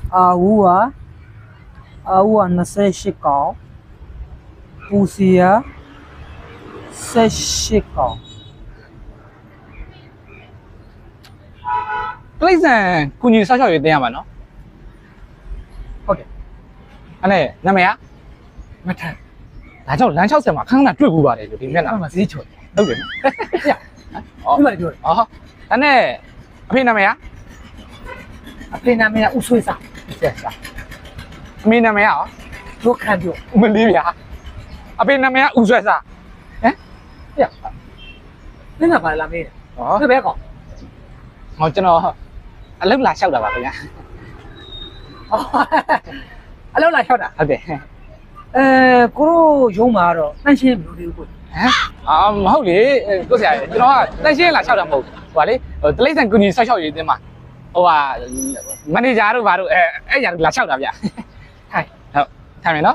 အာဝူ28ကောင်ပူစီယာ18ကောင်တိရစ္ဆာန်ကုညီဆောက်ရှောက်ရေးတင်ရမှာနော်ဟုတ်တယ်အဲ့နဲ့နာမည်ကမထန်ဒါကြောင့်လမ်း60မှာခန်းခဏတွေ့ဘူးပါတယ်လို့ဒီမျက်နှာအဲ့မှာဈေးချော်ဟုတ်တယ်ပြဒီမှာပြောတယ်အော်အဲ့နဲ့အဖေနာမည်ကအဖေနာမည်ကဦးဆွေးစာဆက်စာအမေနာမည်ကရောတို့ခံပြောမလေးဗျာအဖေနာမည်ကဦးဆွဲစားဟမ်ပြနင်ကဘာလာမေးတယ်ဟောဘယ်ပဲကောင်ဟောကျွန်တော်အလုပ်လာလျှောက်တာပါခင်ဗျာအလောက်လာလျှောက်တာဟုတ်တယ်ကိုတို့ရုံးမှာတော့တန့်ရှင်းမလို့သေးဘူးကိုဟမ်မဟုတ်လေကိုဆရာကျွန်တော်ကတက်ရှင်းလာလျှောက်တာမဟုတ်ဟိုကလေတိရစ္ဆာန်ကုညီဆောက်ရှောက်ရေးတင်မှာဟိုကမန်နေဂျာတို့ဘာတို့အဲ့ညာလာလျှောက်တာဗျာထိုင်ဟုတ်ထိုင်မယ်နော်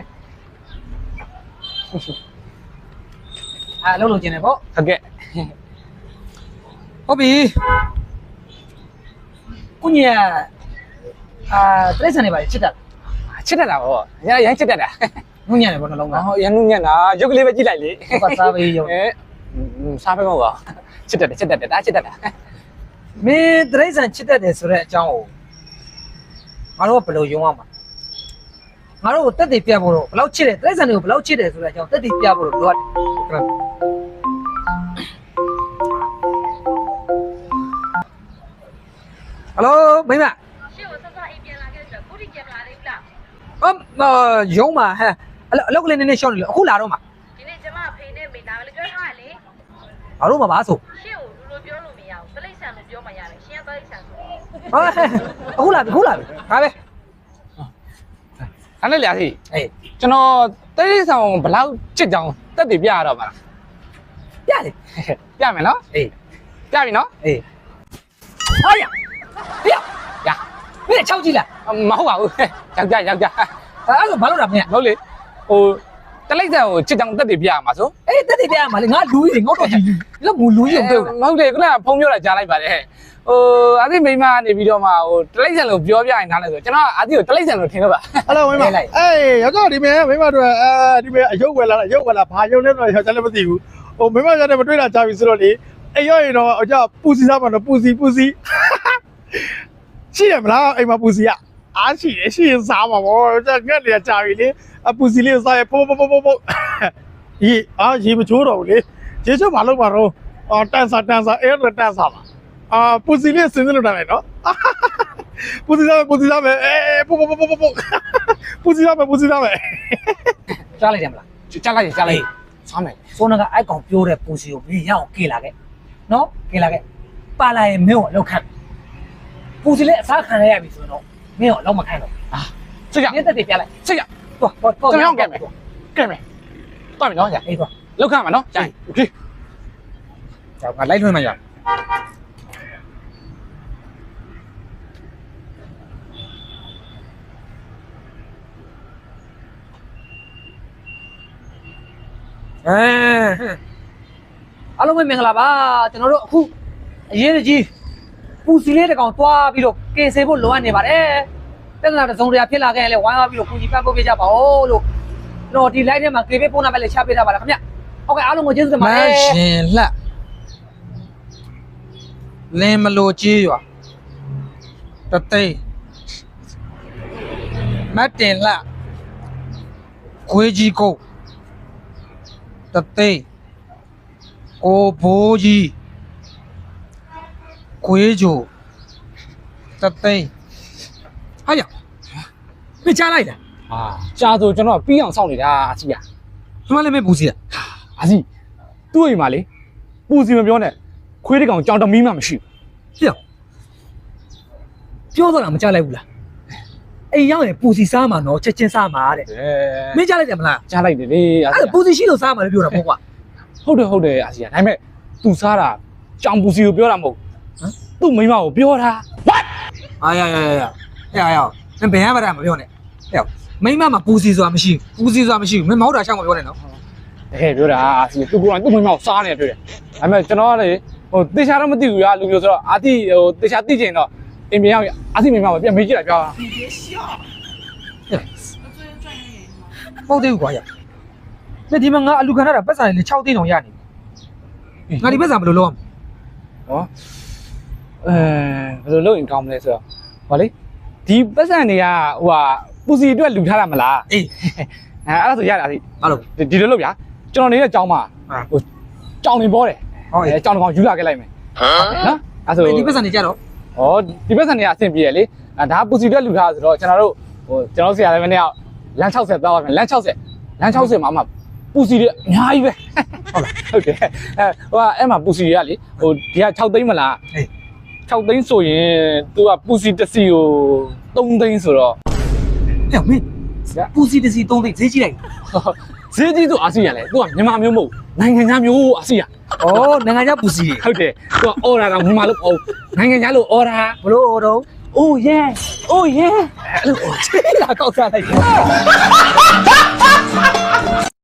အလုပ်လုပ်ကျင်တယ်ပေါ့ဟုတ်ကဲ့ဟုတ်ပြီကိုညီတရိတ်ဆန်နေပါလေချစ်တာချစ်တတ်တာဗောရမ်းချစ်တတ်တာငုံညံ့တယ်ပေါ့နှလုံးသားဟောရန်နုညံ့တာရုပ်ကလေးပဲကြည့်လိုက်လေဟုတ်ကစားပေးရုံစားပဲမဟုတ်ပါချစ်တတ်တယ်ဒါချစ်တတ်တာမင်းတရိတ်ဆန်ချစ်တတ်တယ်ဆိုတဲ့အကြောင်းကိုငါတို့ကဘယ်လိုယုံအောင်မှာငါတို့ကိုတက်တည်ပြဖို့တော့ဘယ်လောက်ချစ်တယ်တရိတ်ဆန်တွေကိုဘယ်လောက်ချစ်တယ်ဆိုတဲ့အကြောင်းတက်တည်ပြဖို့တော့လိုအပ်တယ်ဟယ်လိုမိမရှေ့ကိုဆက်ဆက်အိမ်ပြန်လာခဲ့ဆိုတော့ခုထိပြန်မလာသေးဘူးလားရုံးမှာဟဲ့အလောက်ကလေးနည်းနည်းရှောင်းနေလို့အခုလာတော့မှာဒီနေ့ကျမအဖေနဲ့မိသားစုပြောထားရလေငါတို့မှာပါဆိုရှေ့ကိုလူလိုပြောလို့မရဘူးတလိမ့်ဆန်လို့ပြောမှရတယ်ရှင်ကတလိမ့်ဆန်ဆိုအခုလာပြီဒါပဲအဲ့နဲ့လျာစီအေးကျွန်တော်တိရစ္ဆာန်ဘလောက်ချစ်ကြောင်တက်တည်ပြရတော့ပါလားပြလေပြမယ်နော်အေးပြပြီနော်အေးဟာရဟေးရမင်းချောက်ကြည့်လားမဟုတ်ပါဘူးယောက်ျားအဲ့ဒါဘာလို့လဲမင်းဟုတ်လေဟိုတလိမ့်ဆန်ကိုချစ်ကြောင်တက်တည်ပြရမှာဆိုအေးတက်တည်ပြရမှာလေငါလူကြီးငေါ့တော့ကြီးလောက်မူလူကြီးကိုပြောတာမဟုတ်လေခုနကဖုန်းပြောတာကြားလိုက်ပါတယ်ဟိုအာသိမိမကနေပြီးတော့မှဟိုတလိမ့်ဆန်လို့ပြောပြရင်နားလဲဆိုကျွန်တော်အာသိကိုတလိမ့်ဆန်လို့ထင်တော့ပါအဲ့လိုမင်းမအေးရောက်တော့ဒီမင်းမင်းမတို့ဒီမင်းအယုတ်ဝယ်လာဘာယုတ်လဲတော့ကျွန်တော်လည်းမသိဘူးဟိုမင်းမကျွန်တော်မတွေ့တာကြာပြီဆိုတော့လေအေးရောရင်တော့အကြပူစီစားမှာတော့ပူစီရှိရမလားအိမ်မှာပူစီကအားရှိရင်စားမှာပေါ့ငက်နေကြာပြီလေအပူစီလေးစားရပို့ရေမချိုးတော့ဘူးလေရေချိုးမလုပ်ပါတော့တန်စာအဲ့တော့တန်စာပါပူစီလေးစင်းလို့တာပဲနော်ပူစီစားမယ်အေးပို့ပူစီစားမယ်ကြားလိုက်တယ်မလားကြားလိုက်စားမယ်ဆိုတော့အဲ့ကောင်ပြောတဲ့ပူစီကိုပြီးရအောင်ကေလာခဲ့နော်ကေလာခဲ့ပါလာရင်မင်းကိုလောက်ခတ်ပူစီလေးအစားခံရပြီဆိုတော့မင်းကိုလောက်မခံတော့စစ်ရမင်းတက်တည်ပြလိုက်စစ်ရသွားကျွန်တော်ကဲမယ်တွားမယ်နော်ကြာအေးသွားလောက်ခမှာနော်ကြာโอเคကြောက်ငါလိုက်လွှင့်မှရအားလုံးပဲမင်္ဂလာပါကျွန်တော်တို့အခုအရေးကြီးပူစီလေးတစ်ကောင်တွားပြီးတော့ကင်ဆယ်ဖို့လိုအပ်နေပါတယ်တက္ကနာတစုံတရာဖြစ်လာခဲ့ရင်လည်းဝိုင်းဝါပြီးတော့ပူစီပတ်ဖို့ပြကြပါဦးလို့ကျွန်တော်ဒီ live ထဲမှာကေပေးပုံနာပဲလည်းချပေးထားပါလားခင်ဗျဟုတ်ကဲ့အားလုံးကိုကျေးဇူးတင်ပါတယ်ရှင်လှလင်းမလို့ကြီးရွာတသိန်းမတ်တင်လှခွေးကြီးကုတ်တသိန်းကိုဘိုးကြီးခွေးဂျိုတသိန်းဟာရမချလိုက်လားအာကြာဆိုကျွန်တော်ပြီးအောင်စောင့်နေတာအစီရဒီမှာလည်းမပူစီလားအစီသူ့အိမ်မှာလေပူစီမပြောနဲ့ခွေးတကောင်ကြောင်တမီးမှမရှိဟေ့ပြောတော့လားမချလိုက်ဘူးလားအိမ်ရောက်ရင်ပူစီစားမှာနော်ချက်ချင်းစားမှာတဲ့ဘူးမင်းချလိုက်တယ်မလားကြားလိုက်တယ်လေအစီအဲ့ဒါပူစီရှိလို့စားမှာလည်းပြောတာပေါ့ကွာဟုတ်တယ်အစီရဒါပေမဲ့ तू စားတာကြောင်ပူစီကိုပြောတာမဟုတ်သူ့မိမကိုပြောတာ what အာရနင်ဘယ်မှာမပြောနဲ့ဟဲ့မိမမှာပူစီဆိုတာမရှိဘူးမင်းမဟုတ်တာရှောက်မပြောနဲ့နော်တကယ်ပြောတာအစီသူကိုယ်တိုင်သူ့မိမကိုစားနေတယ်ပြောတယ်ဒါပေမဲ့ကျွန်တော်ကလေဟိုတေချာတော့မသိဘူးရာလူမျိုးဆိုတော့အာတိဟိုတေချာသိကျင်တော့အင်ပြန်ရောက်အစီမင်းမှာပြန်မေးကြည့်လိုက်ပြောပေါက်သေးဘူးကွာရနေဒီမှာငါအလူခံရတာပတ်စံလေ6သိန်းတောင်ရနေငါဒီပတ်စံဘယ်လိုလုပ်ရမလဲဘယ်လိုလုပ်ရင်ကောင်းမလဲဆိုတော့ဟောလေဒီပတ်စံတွေကဟိုဟာပူစီအတွက်လူထားတာမလားအေးအဲ့ဒါဆိုရတာစီဘာလို့ဒီလိုလုပ်ဗျာကျွန်တော်နေတဲ့ကျောင်းမှာဟိုကြောင်နေပေါ်တယ်ဟုတ်ရဲ့ကျောင်းကောင်ယူလာခဲ့လိုက်မယ်နော်အဲ့ဆိုဒီပတ်စံနေကြတော့ဩဒီပတ်စံတွေကအဆင်ပြေရလေဒါပူစီအတွက်လူထားဆိုတော့ကျွန်တော်ဆရာလည်းမနေ့ကလမ်း60သွားပါမယ်လမ်း60မှာမှပူစီတွေအများကြီးပဲဟုတ်တယ်ဟိုကအဲ့မှာပူစီတွေကလေဟိုဒီက6သိန်းမလားအေး 6သိန်းဆိုရင်သူကပူစီတစ်စီကို3သိန်းဆိုတော့ဟဲ့မင်းပူစီတစီ3သိန်းဈေးကြီးလိုက်ဈေးကြီးဆိုအာစီရလေသူကမြန်မာမျိုးမဟုတ်နိုင်ငံခြားမျိုးအာစီရဩနိုင်ငံခြားပူစီဟုတ်တယ်သူကအော်ဒါတော့မြန်မာလို့အော်နိုင်ငံခြားလို့အော်ဒါဘလို့တော့ Oh yeah အဲ့လိုလာကောက်စားလိုက်